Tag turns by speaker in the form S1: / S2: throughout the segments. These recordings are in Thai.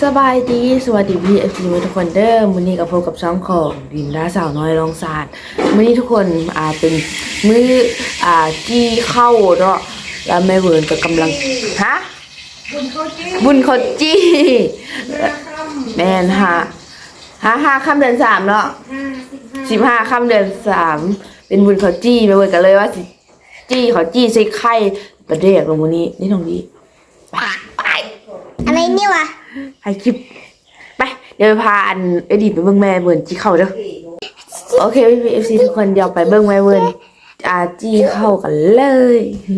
S1: สบายดีสวัสดีพี่FCทุกคนเด้อมื้อนี้กับพบกับช่องของดินดาสาวน้อยลองศาสตร์มื้อนี้ทุกคนเป็นมื้อกี้เข้าเนาะแล้วแม่เวิร์นก็กำลังฮะบุญเขาจี้แม่นฮะ5 ค่ำเดือน 3เนาะ15 ค่ำเดือน 3เป็นบุญเขาจี้แม่เวิร์นก็เลยว่าสิจี้เขาจี้ใส่ไข่ประเดกลงมื้อนี้นี่น้องดีไป
S2: อะไรนี่วะ
S1: ให้คลิปไปเดี๋ยวพาเอดีไปเบิ่งแม่เวิร์นจี้เข้าเด้อโอเคพี่ FC ทุกคนเดี๋ยวไปเบิ่งแม่เวิร์นจี้เข้ากันเลย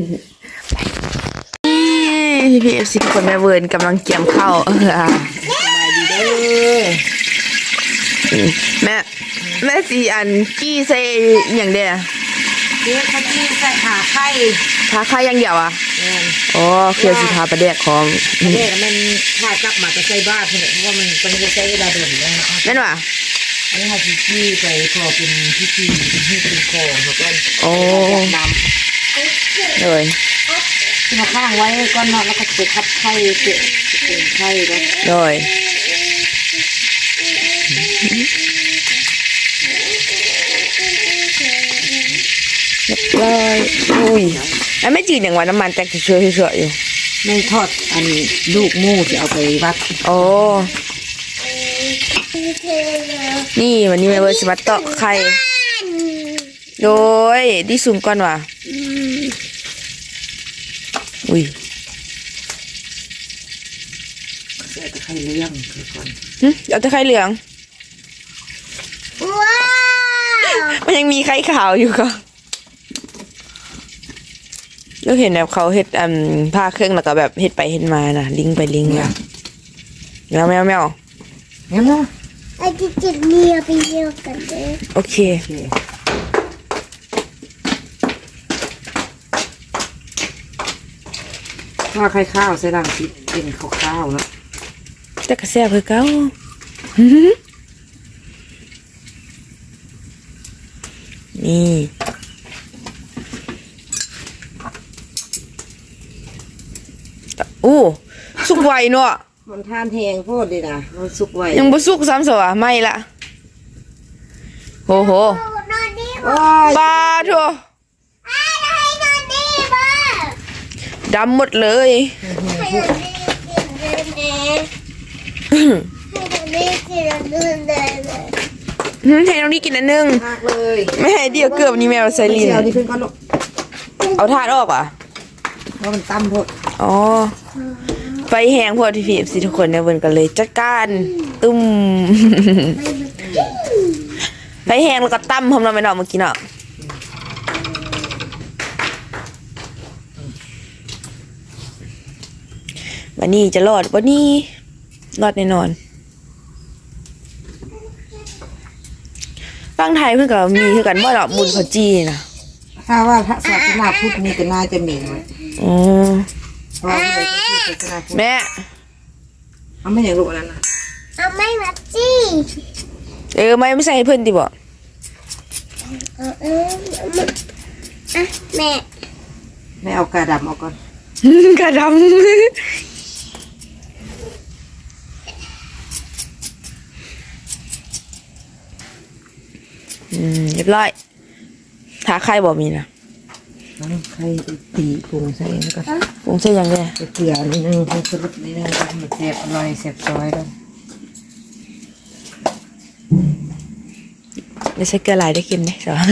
S1: พี่ FC ทุกคนแม่เวิร์นกำลังเกี่ยมเข้าสบายดีเด้อแม่สีจี้ใส่อย่างเดียว
S3: เดี๋ยวเขาจี้ใส่ขาไข่
S1: อย่างเดียวอ่ะอ๋อเคี่ยวสิทาประเดกของ
S3: ประเดกมันถ้าจับมาจะใส่บ้าเพราะว่ามันต้องใช้เวลาเดินเลยนะ
S1: นั่นว่ะ
S3: อันนี้ค่ะจี้ไปพอเป็นพิธีเป็นของเขาก็
S1: โอ้
S3: น้
S1: ำเลย
S3: ที่มาข้างไว้ก้อนนอนแล้วก็ไปทับไข่เป็นไข่แล้ว
S1: เลยเลยอุ้ยแล้วไม่จืดอย่างว่าน้ำมันแตกเฉยๆอยู่
S3: ไม่ทอดลูกมูจะเอาไปวัด
S1: โอ้นี่วันนี้แม่เวิร์ดจะมาตอกไข่โดยดิสูงก่อนว่ะอุ้ย
S3: เอาแต่ไข่เหลืองก่อน
S1: เอาแต่ไข่เหลือง
S2: ว้าว
S1: มันยังมีไข่ขาวอยู่ก็เราเห็นแบบเขาเฮ็ดผ้าเครื่องแล้วก็แบบเฮ็ดไปเฮ็ดมานะลิงไปลิงมาแมว
S2: ไอ้จิตเลียไปเลียกันเลย
S1: โอเค
S3: ถ้าไข่ข้าวใส่รังสิเป็นข้าวแล้ว
S1: แต่กระแซบคือเก่านี่อู้สุกไวเนาะ
S3: มันทานแหงโพดเลยนะมันสุกไว
S1: ยังบ่สุกซ้ำสวะไม่ละโหปลาทัวดำหมดเลยให้น้องนี่กินอันนึงไม่ให้เดียวเกือบนี่แมวไซรินเอาถาดออกอ่ะ
S3: เพราะมันตั้มพด
S1: อ๋อไฟแห้งพอที่พี่สิทุกคนเนี่ยเวิร์นกันเลยจัดการตุ้มไฟแห้งแล้วก็ตั้มพร้อมเราไม่นอนเมื่อกี้เนาะวันนี้จะรอดวันนี้รอดแน่นอนฟังไทยเพื่อนกับมีคือกันว่าดอกบุญเขาจีนะ
S3: ถ้าว่าพระศาสนาพุทธมีก็น่าจะมีไว้
S1: อ๋อแม่
S3: เอาไม่อย่างลูกนั้นนะ
S2: เอาไม่มาจี้
S1: ไม่ใส่ให้เพื่อนดิบอก
S2: แ
S3: ม่เอากระดำเอาก่อน
S1: กระดำเรียบร้อยถ้าใครบอกมีนะ
S3: ใครตีปรุงใส่แล้วก็
S1: ปรุงใส่ยังไง
S3: เกลือนิดนึงผงชูรสนิดนึงมันแซ่บอร่อยแซ่บซอยแล้ว
S1: ไม่ใช่เกลือลายได้เค็มเนี่ยสอน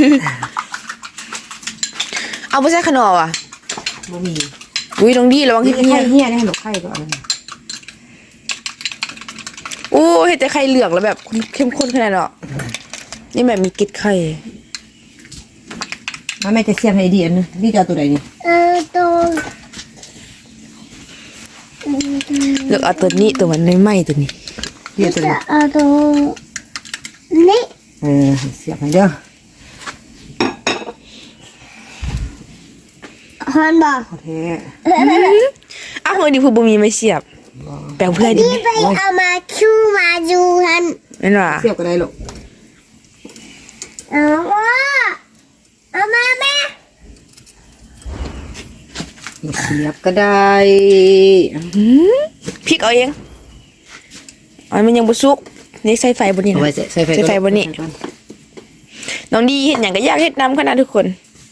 S1: เอาไม่ใช่ขนมอ่ะ
S3: บะหมี่
S1: อุ้ยตรงนี้ระวังที่
S3: เหี้ยได้หลบไข่ก่อน
S1: โอ้เห็นแต่ไข่เหลืองแล้วแบบเข้มข้นขนาดเนาะนี่แบบมีกลิ่นไข่
S3: แม่จะเสียบให้ดีอันนึงนี่จะเอาตัวไหนนี่
S2: ตัว
S1: เลือกเอาตัวนี้ตัวมันไม่ตัวนี้
S3: เสียบตัวนี้
S2: ตัวนี้
S3: เสียบให้เด้อ
S2: ฮันบ่
S3: โอเค
S1: อ้าวเฮ้ยดิพูบุมีไม่เสียบแปลเพื่อดิ
S2: ไปเอามาคิวมาดูฮัน
S1: นั่นว่ะ
S3: เสียบก็ได้หรอก
S2: เอามาแม่
S3: เสียบก็ได้
S1: พริกเอาเองอ๋อมันยังบ่สุกนี่ใส่ไฟบนนี้
S3: เอา
S1: นะ
S3: ไว้ใส่ไฟ
S1: ใส่ไฟบนนี้น้องดีเฮ็ดหยังก็อยากเฮ็ดนำขนาดทุกคน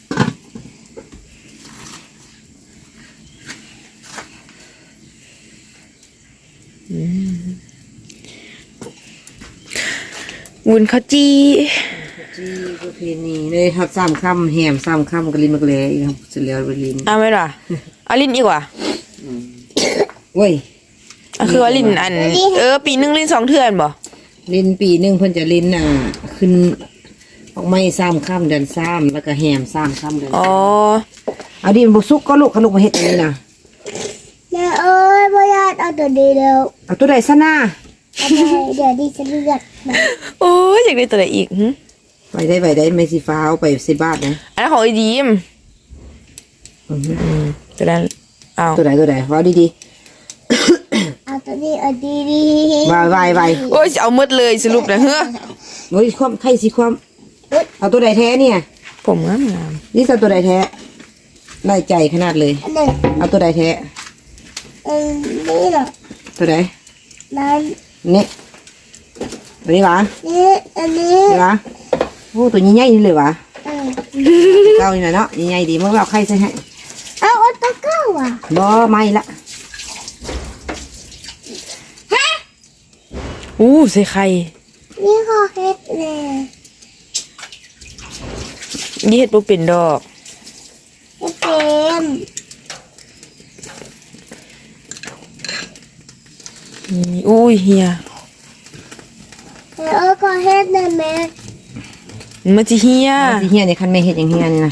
S1: วุ้นข้าวจี
S3: จีประเพณีเลยครับ3ค่ำแหม3ค่ำก็ลิ้นมักแลอีกครับเสร็จแล้วไปลิ้น
S1: เอาไหมล่ะเอาลิ้นอีกว่า
S3: โอ้ย
S1: คือว่าลิ้นอันปีหนึงลิ้น2เทื่อนบ่
S3: ลิ้นปีหนึงเพิ่นจะลิ้นขึ้นออกไม้3ค่ำเดือน3แล้วก็แหม3ค่ำเดือน
S1: อ๋อ
S3: เอาดิมันบ่สุกก็ลูกขนุกมาเฮ็ดอันนี้นะ
S2: แม่เอ้ยพ่อยาดเอาตัวดีแล้ว
S3: เอาตัวใดซะหน้า
S2: เอาไปเดี๋ยวดิฉันเลือกมา
S1: โอ้ยอยากได้ตัวไหนอีกหึ
S3: ไปได้ไม่สิฟ้าเอาไปใส่บ้านนะ
S1: อันนั้นของไอ้ดีมตัวนั้นเอา
S3: ตัวใดว่าดี
S2: เอาตัวนี้เอาดีดี
S3: ๆไว
S1: โอ้ยจะเอาหมดเลยสรุปนะเฮ้อ
S3: โอ้ยความไข่สิความเอาตัวใดแท้เนี่ย
S1: ผมงามงาม
S3: นี่จะตัวใดแท้ได้ใจขนาดเลย
S2: อันหนึ่ง
S3: เอาตัวใดแท้
S2: นี่เหรอ
S3: ตัวใด
S2: นั้น
S3: นี่ตัวนี้หวะ
S2: นี่อันนี้
S3: นี่หวะโอ้ตัวใหญ่ๆนี่เลยวะ
S2: เออ
S3: เก้านี่นะเนาะใหญ่ๆดีมึงเอาไข่ใส่ให้
S2: เอาตัวเก้าอ่ะ
S3: บ่ไม่ละ
S1: อู้ใส่ไข่
S2: นี่ขอเฮ็ดเลย
S1: ยี่เห็ดบ่เป็นดอก
S2: เฮ็ดเป็น
S1: อุ้ยเฮีย
S2: แม่เอ้ยขอเฮ็ดหน่อยแม่
S1: มันจะเฮีย
S3: สิเฮียนี่คันไม่เฮ็ดอย่างเฮียนี่นะ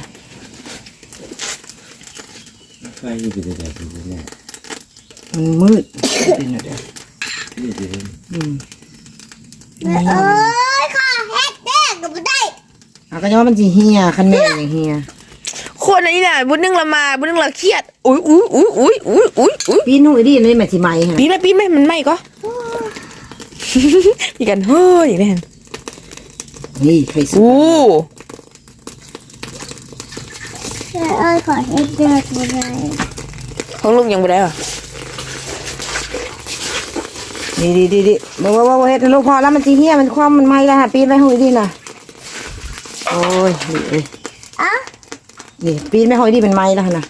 S4: ไฟนี่เป็นอะไรเป็นอะไร
S3: มันมืดเป็นอะไร
S4: นี่เป็น
S2: แม่เอ้ยขอเฮ็ดแดงก็บ่ได้
S3: เอาก็จะว่ามันสิเฮียคันแม่อย่างเฮีย
S1: คนอันนี้น่ะบุญนึงละมาบุญนึงละเครียดอุ้ย
S3: ปีนู้นดินี่แม่สิไหมฮะ
S1: ปีไหมมันไหมก็มีกันเฮ้ยอย่างนี้
S3: นี่ไข่สุก
S1: อู้
S2: แม่เอ้ยขอเฮ็ดแดงบ่ได้
S1: ของลุงยังบ่ได้หรอ
S3: ดีบ่เฮ็ดให้ลูกพอแล้วมันสิเฮียมันความมันไหมแล้วฮะปีนไว้ห้อยดิน่ะโอ้ยนี่เอ้ย
S2: อ่ะ
S3: นี่ปีนไม่ห้อยดิมันไหมแล้วนะ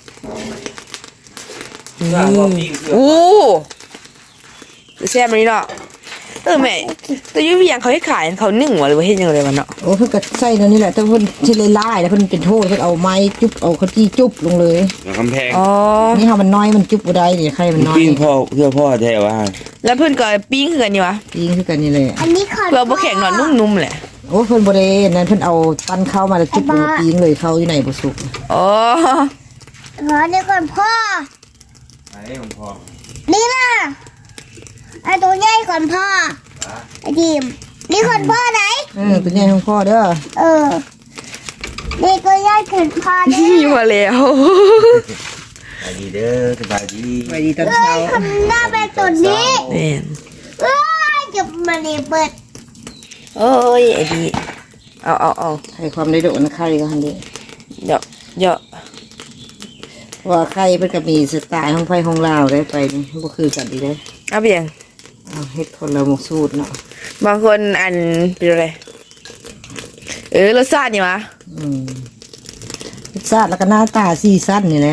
S1: อู้แซ่บเลยเนาะแม่แต่ยุ้ยยังเขาให้ขายเขานึ่งวะหรือว่าเฮ็ดยังไงมันเนาะ
S3: โอ้เพิ่นก็ใส่แล้วนี่แหละแต่เพิ่นสิเลยลายแล้วเพิ่นเป็นโทษเพิ่นเอาไม้จุ๊บเอาข้าวจี้จุ๊บลงเลย
S4: กำแพง
S1: อ๋อ
S3: นี่เฮามันน้อยมันจุ๊บบ่ได้นี่ไข่มันน้อย
S4: ปิ้งพ่อเพื่อพ่อแท้ว่า
S1: แล้วเพื่อนก็ปิ้งคือกันนี่วะ
S3: ปิ้งคือกันนี่แหละ
S2: อันนี้ขอ
S1: เพื่อบ่แข็งหน่อยนุ่มๆแหละ
S3: โอ้เพิ่นบ่ได้นั่นเพิ่นเอาปั้นข้าวมาแล้วจุ๊บลงปิ้งเลยข้าวอยู่ไหนบ่สุก
S1: อ๋อ
S2: ขอเดี๋ยวก่อนพ่อ
S4: ไอ้ของพ่อ
S2: นี่นะไอ้ตัวใหญ่ก่อนพ่อไอ้ดิมนี่ก่อนพ่อไหน
S3: ตัวใหญ่ของพ่อเด้อ
S2: เออนี่ตัวใหญ่ก่อนพ่อเด้
S1: นี่
S2: อ
S1: มาแล้ว
S4: สบายดีเด้อสบายดี
S3: ไปดีตอนเช้า
S2: ทำหน้าเป็นตัวนี้
S1: แม่น
S2: เอ้ยจะมาเนี่ยเปิด
S1: โอ้ยไอ้ดีเอา
S3: ให้ความได้โดนไข่ก็หั่นเด้
S1: เดี๋ยว
S3: ว่าไข่เพิ่นก็มีสไตล์ของไผของลาวได้ไปนี่บ่คือกันอีเด้
S1: เอาเพียง
S3: เอาเฮ็ดคนละหมกสูตรเนาะ
S1: บางคนอันเป็นอะไรรสชาตินี่วะ
S3: รสชาติแล้วก็หน้าตาสีสันนี่แหละ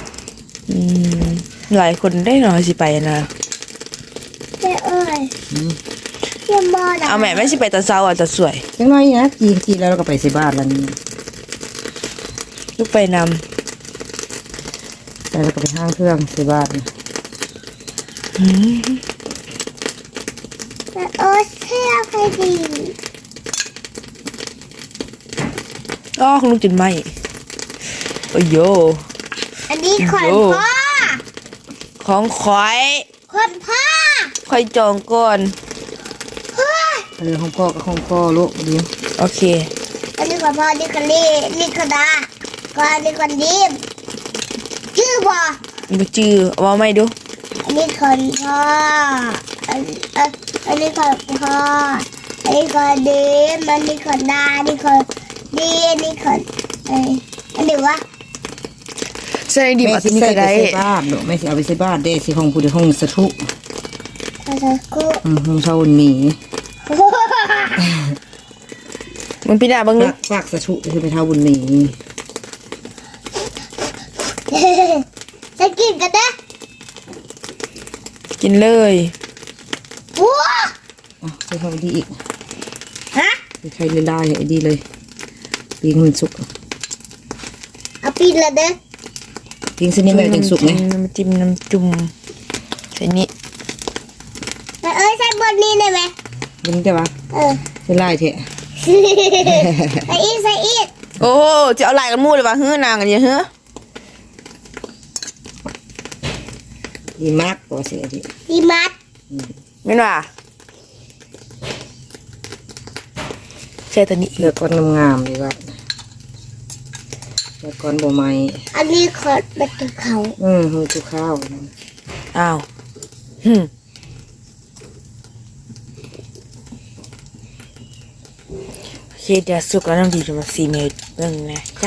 S1: หลายคนได้หน่อยสิไปนะ
S2: เจ้เอ้ยเจ้มอด
S1: เอาแม่ไม่สิไปตอนเช้าอ่ะจะสวย
S3: จังน้อยนะจีแล้วเราก็ไปใส่บ้านแล้วนี่
S1: ลูกไปน
S3: แล้วเราก็ไปห้างเครื่องใส่บ้าน
S2: เจ้เอ้ยเที่ยวใครดี
S1: ก็คุณลุงจินไหมโอ้ยโย
S2: อันนี้ขอนพ่อ
S1: ของขอย
S2: คนพ่อ
S1: คอยจองก่อน
S3: ของพ่อกับของพ่อลูกเดียว
S1: โอเค
S2: อันนี้ขอนพ่อนี่คนนี้นี่คนดาก่อนนี่คนดีมชื่อบ่
S1: มาจื้อเอามาไม่ดู
S2: อันนี้คนพ่ออันนี้คนพ่ออันนี้คนดีมอันนี้คนดาอันนี้คนดีอันนี้คนอันนี้วะ
S1: ใส่ดี
S3: แม่
S1: มา
S3: สิ
S1: ที่นี่
S3: ใส่
S1: ก็
S3: ไป
S1: ได้
S3: ใส่บ้านลูกแม่สิเอาไปใส่บ้านเด้สิของผู้ใดของสะทุ
S2: อะไรกู
S3: ของชาวบุญมี
S1: มึงพี่ดาบ้างนึก
S3: ฝากสะชุคือเป็นชาวบุญมี
S2: จะกินกันนะ
S1: กินเลย
S2: ว้า
S3: ใส่เข้าดีอีก
S2: ฮะ
S3: ใช้เลยได้ไอ้ดีเลยปิ้งมันสุก
S2: เอาปีนละเด้อ
S3: ปิ้งเส้นนี้แบบถึงสุกไง
S1: น้ำจิ้มน้ำจุ่มใส่นี่
S2: แต่ใส่บนนี้ได้ไหม
S3: มันจะวะ ใส่ไล่เถอะ
S2: ใส่อีกใส่อีก
S1: โอ้จะเอาลายกันมู่เลยป่ะเฮ้อนางกันเยอะเฮ้อ
S3: ดีมากกว่าเสียที
S2: ดีมัด
S1: ไม่น่ะใช่ตัวนี้
S3: เลือกก้อนงามๆดีกว่าเลือกก้อนบัวไม้
S2: อันนี้ขอเป็นตัวเขา
S3: หูจุข้าว
S1: อ้าวโอเคเดี๋ยวสุกแล้วน้ำดีจะมาซีเมตรเบิ่งนะจ้ะ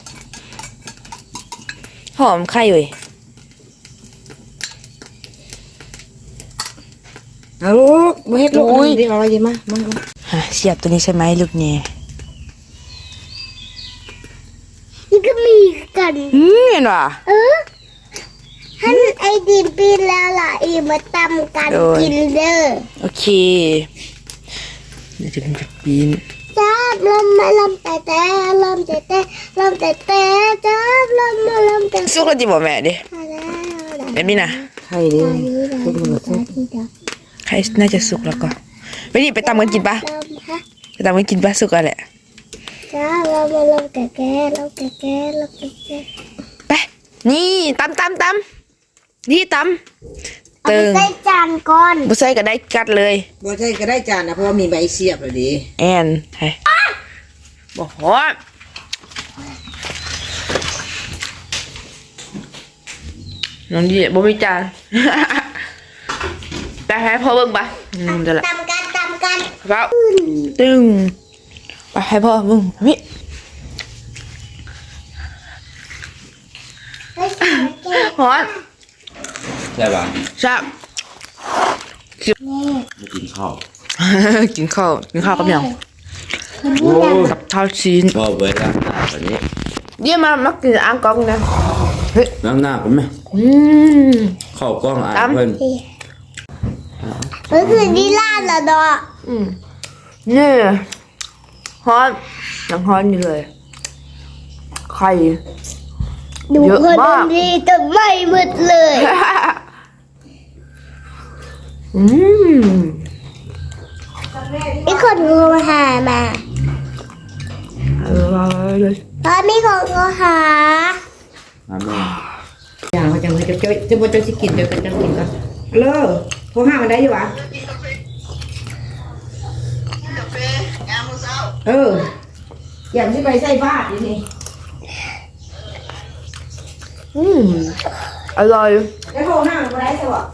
S1: หอมไข่เว้ย
S3: เอาลูกมาเฮ็ดลูกดีเอาไว้ดีมามา
S1: เสียบตัวนี้ใช่ไหมลูกเนี่ย
S2: นี่ก็มีกัน
S1: เห็นป่ะ
S2: ท่านไอดินปีนแล้วล่ะอีมาตำกัน
S1: โดย
S2: กินเด้อ
S1: โอเคเดี๋ยวจะเป็นจุดปีน
S2: จ้าบลมมาลมแต่ลมแต่ลมแต่จ้าบลมมาลมแต่
S1: สุกแล้วจีบอกแม่ดิแบบนี้นะ
S3: ไข่ดิลูกมันสุก
S1: ใครน่าจะสุกแล้วก็ไปดิไปตำกันกินปะ
S2: ลมฮะ
S1: ไปตำกันกินปะสุกแล้วแหละ
S2: จ้าลมมาลมแต่ลมแต่ลมแต่
S1: ไปนี่ตำนี่ตำ
S2: เอา
S1: ตึ
S2: ไป
S1: ง
S2: ใส่จานก่อน
S1: บุษใส่ก็ได้กัดเลย
S3: บ่ใช่ก็ได้จานนะเพราะว่ามีใบเสียบเลยดิ
S1: แอนให้บอกฮอดน้องดีบ่มีจาน ไปให้พ่อเบิ่งปะจะละ
S2: ตำกัน
S1: ครับตึงไปให้พ่อเบิ่งพี่
S2: เฮ้ย
S1: ฮอด
S4: ใช่ป่ะ
S1: ชับ
S4: ไม่กินข้าว
S1: กินข้าวกับหยัง
S4: โอ้
S1: กับข้าวชีน
S4: ชอบเว้ยล้างหน้าแบบนี้
S1: เยี่ยมมากินอ่างกองนะเฮ้ย
S4: ล้างหน้าเป็นไหม
S1: ม
S4: เข้ากล้องอ่าน
S1: ตำ
S4: เพิ่น
S2: เฮ้ยคือดีลาดละดอก
S1: นี่ฮอตยังฮอตอยู่เลยไข่
S2: ดู
S1: เยอะ
S2: คน
S1: มาก
S2: ดีแต่ไม่หมดเลย
S1: อืม
S2: มีคนโทรหามา
S1: เลย
S2: ตอนมีคนโทรหา
S4: น้ำแม่
S3: อย่างว่าจังเลยจะบ่จะสิกินเดี๋ยวกันจังกินกันเลิกโทรหามันได้อยู่วะอย่างที่ไปใส่บาตรนี่
S1: อร่อย
S3: แล้วโทรหามันได้ใช่ปะ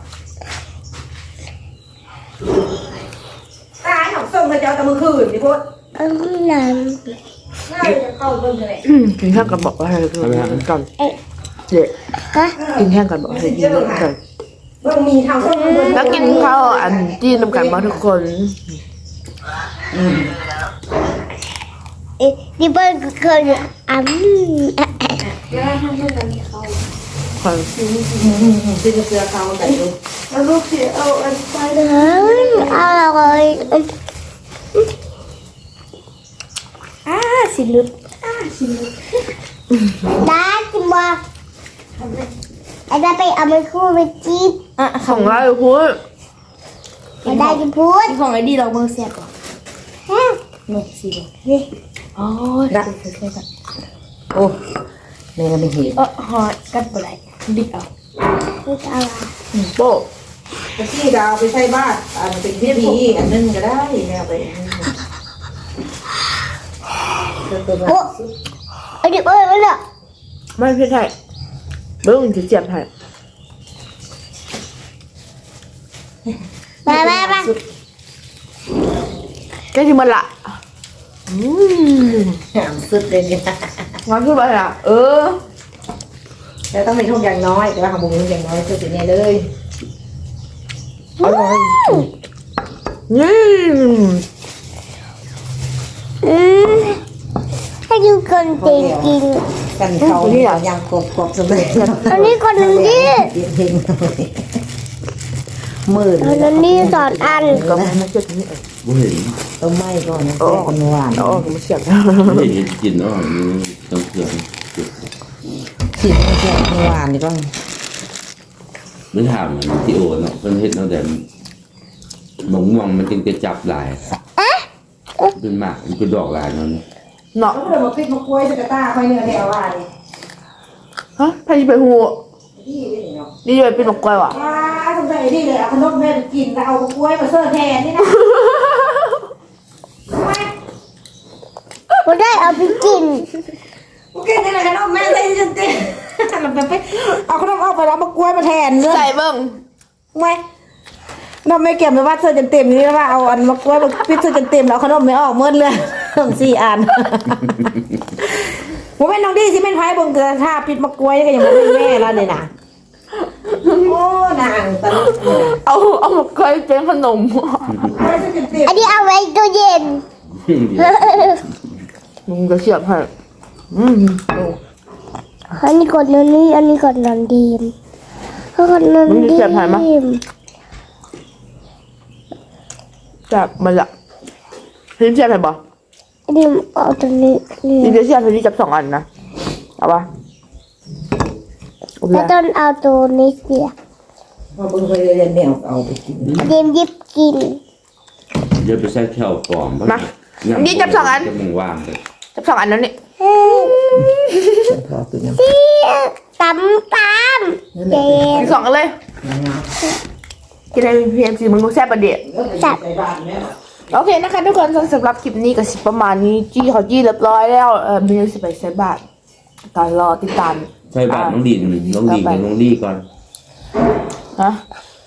S3: ตายของส่งกระเจ้าตะมือคืนนี่พุทธ
S2: นั่น
S3: น่าจะเข้าเบิ่งเลย
S1: กินแห้งกันบอกว่าให้กินกันเด็ก
S2: ฮะ
S1: กินแห้งกันบอกให้กินกัน
S3: เบิ่งมีทางส่งเบิ่ง
S1: แล้วกินข้าวอันที่นำกันมาทุกคน
S2: ดิเบิร์ก็เคย
S1: คน
S3: ที่จะเสือเขาแต่ดู
S2: เอาลูกเสียเอาอันไปเลยเอาเลยสิลุดได้จิมบอกไอ้ได้ไปเอาไปคู่ไปจีบ
S1: ของเราพูด
S2: ไอ้ได้จะพูด
S1: ของไอ้ดีเราเมืองเสียก่อน
S2: ฮะ
S1: นี่สินี่อ๋อได้
S3: โอ้แม่ก็ไม่เห็น
S1: ฮอตกัดบ่ได้ดิเอา
S2: พูดอะไร
S1: โป๊ะ
S3: ตะกี้ดาวไปใส่บาตรมันเป็นพิธีอันนึงก็ได้แม่ไป
S2: โอ้ไอ้ดิเบิร์ดเนี่ย
S1: ไม่พี่ไทยเบิ้งจะเจ็บไทย
S2: มา
S1: แกที่มันละ
S3: แหมสุดเลยเนี่ย
S1: งอนขึ้นไปอ่ะ
S3: แล้วต้องมีทุกอย่างน้อยแต่ว่าของบุ้งอย่างน้อยคือสิ่งนี้เลย
S1: อร่อยนี่
S2: ให้ดูคนเก่งกิน
S3: กันเขายังกบสำเร็จ
S2: อันนี้คนนึงดิ
S3: เฮงมืด
S2: อันนี้สอนอัน
S1: ก็ไม่เชื่อที่นี่
S4: บ่เห็น
S3: ต้องไหม้ก่อนนะแก้คนหวาน
S1: อ๋อไม่เชื่อ
S4: ไม่เห็นกินอ่อนนี่ต้องเครื่อง
S3: ฉีดให้แก้คนหวานดีป่ะ
S4: ไม่ถามมันที่โอเนาะเพิ่นเฮ็ดเนาะแต่หมงม่วงมันจึงจะจับหลายเป็นหมากมันเป็นดอกหลายเนาะ
S1: เนาะ
S3: เขาเลยมาปิดมากล้วยสกัดตาค่อยเนื้อแถวว่าดิ
S1: ฮะพายีไปหู
S3: ที่นี่เนาะ
S1: นี่เลยเป็นหมกกล้วยว่ะ
S3: ว้าสงสัยนี่เลยเอาขนมแม่ไปกินแล้วเอากล้วยมาเสิร์ฟแทนนี่นะ
S2: ผมได้เอาไปกิน
S3: โอเคนี่แหละขนมแม่ใส่จนเต็มเราไปเอาขนมออกไปแล้วมากล้วยมาแทนเลย
S1: ใส่เบิ้ง
S3: ไม่ขนมไม่เก็บไปว่าเสิร์ฟจนเต็มนี่แล้วว่าเอาอันมากล้วยมาปิดเสิร์ฟจนเต็มแล้วขนมไม่ออกเมื่อเลยขนม4 อันผมเป็นน้องดีที่เป็นไพ่บงเกลือท่าปิดมากล้วยก็ยังไม่เป็นแม่แล้วเลยนะโอ้นางตลก
S1: เอาหมกกล้วยเป็นขนม
S3: กล้วยเสิร์ฟจนเต็ม
S2: อันนี้เอาไว้ตู้เย็น
S1: มึงก็เชื่อให้อืม
S2: อันนี้ก่อนนอนนี่อันนี้ก่อนนอนดีมก่อนนอนดีม
S1: จับมันละพี่เชื่อให้บ่
S2: อันนี้เอาตัวนี้นี่
S1: พี่จะเชื่อพี่จับ2 อันนะเอาปะโอเค
S2: แล้วต้นเอาตัวนี้เสีย
S3: พอเบิ่งไปเรียนแนวเอาไปกิน
S2: เย็นยิบกิน
S4: เดี๋ยวไปใส่แถวปลอมจะมึงวางเลย
S1: จับ2 อันแล้วนี่
S3: พอตัวนี้
S2: เสียตำเย็น
S1: กิน2 กันเลยกินอะไรพีเอ็มซีมึงรู้แซ่บประเดี๋ยว
S2: จับ
S1: โอเคนะคะทุกคนสำหรับคลิปนี้ก็สิประมาณนี้จี้เขาจี้เรียบร้อยแล้วมีสิไปใส่บาทตอนรอติดตาม
S4: ใส่บาตรน้องดีกับน้องดีก่อน
S1: ฮะ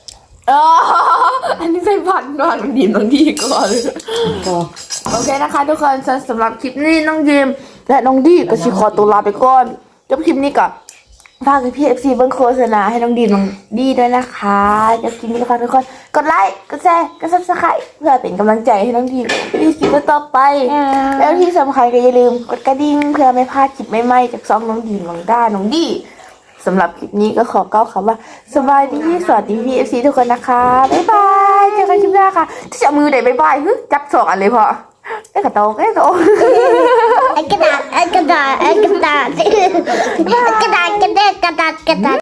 S1: อันนี้ใส่บาทนอนน้องดีมน้องดีก่อน
S3: ก็
S1: โอเคนะคะทุกคนสำหรับคลิปนี้น้องดีมและน้องดีก็สิขอตัวลาไปก่อนจบคลิปนี้ก็ฝากพี่FCเบิ้งโฆษณาให้น้องดีน้องดีด้วยนะคะจบคลิปนี้นะคะทุกคนกดไลค์กดแชร์กด Subscribe เพื่อเป็นกำลังใจให้น้องดีมีคลิปต่อไป แล้วที่สำคัญก็อย่าลืมกดกระดิ่งเพื่อไม่พลาดคลิปใหม่ๆจากซ่องน้องดีน้องด้าน้องดีสำหรับคลิปนี้ก็ขอกล่าวคำว่าสบายดีสวัสดีพี่FCทุกคนนะคะบ๊ายบายเจอกันคลิปหน้าค่ะที่จะมือไหนบ๊ายบายจับ2 อันเลยพอไอ้กระโตงไอ้กระโตง
S2: ไอ้กระดาษ